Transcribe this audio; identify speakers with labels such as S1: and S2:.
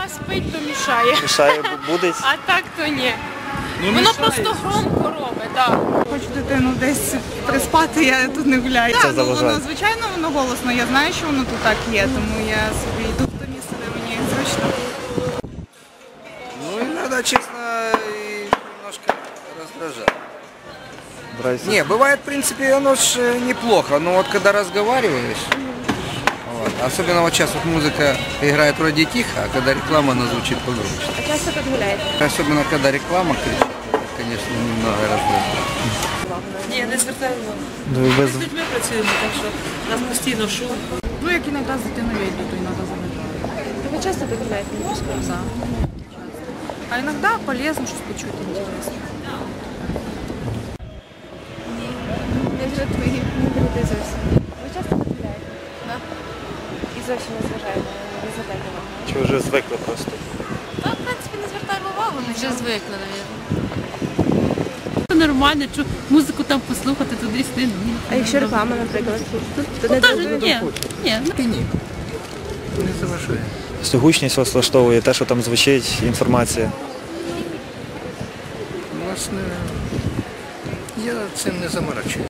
S1: спить, то мішає.
S2: Мішає, будить?
S1: А так то ні. Воно просто громко робить, так.
S3: Хочу дитину десь приспати, я тут не гуляю.
S2: Це
S3: Так,
S2: заважає.
S3: воно, звичайно, воно голосно. Я знаю, що воно тут так є, тому я собі йду в те місце, де мені зручно.
S4: Ну, иногда, честно, и немножко раздражает.
S2: Нравится?
S4: Не, бывает, в принципе, оно ж неплохо, но вот когда разговариваешь, вот, особенно вот сейчас вот музыка играет вроде тихо, а когда реклама, она звучит погромче.
S1: А часто тут гуляєте?
S4: Особенно когда реклама кричит, это, конечно, немного раздражает.
S5: Ні, не звертаю увагу.
S2: Ну, і без...
S5: Ми з людьми працюємо, так що у нас постійно шум.
S3: Ну, як іноді з дитиною йду, то іноді заважаю.
S1: Ви часто тут гуляєте?
S3: Да. А іноді полезно щось почути інтересно.
S1: Не жартую, не берете зовсім. Ви часто тут гуляєте? Так. І зовсім не зважаєте, не звертаєте увагу?
S2: Чи вже звикли просто?
S1: Та, в принципі, не звертаємо увагу.
S5: Вже звикли, мабуть. Нормально, що музику там послухати туди-сюди.
S1: А якщо реклама, наприклад, тут не
S5: Теж
S1: дуже?
S5: ні. Ні.
S4: Не заважает.
S2: Гучність вас влаштовує, те, що там звучить, інформація.
S4: Власне, я цим не заморачуюсь.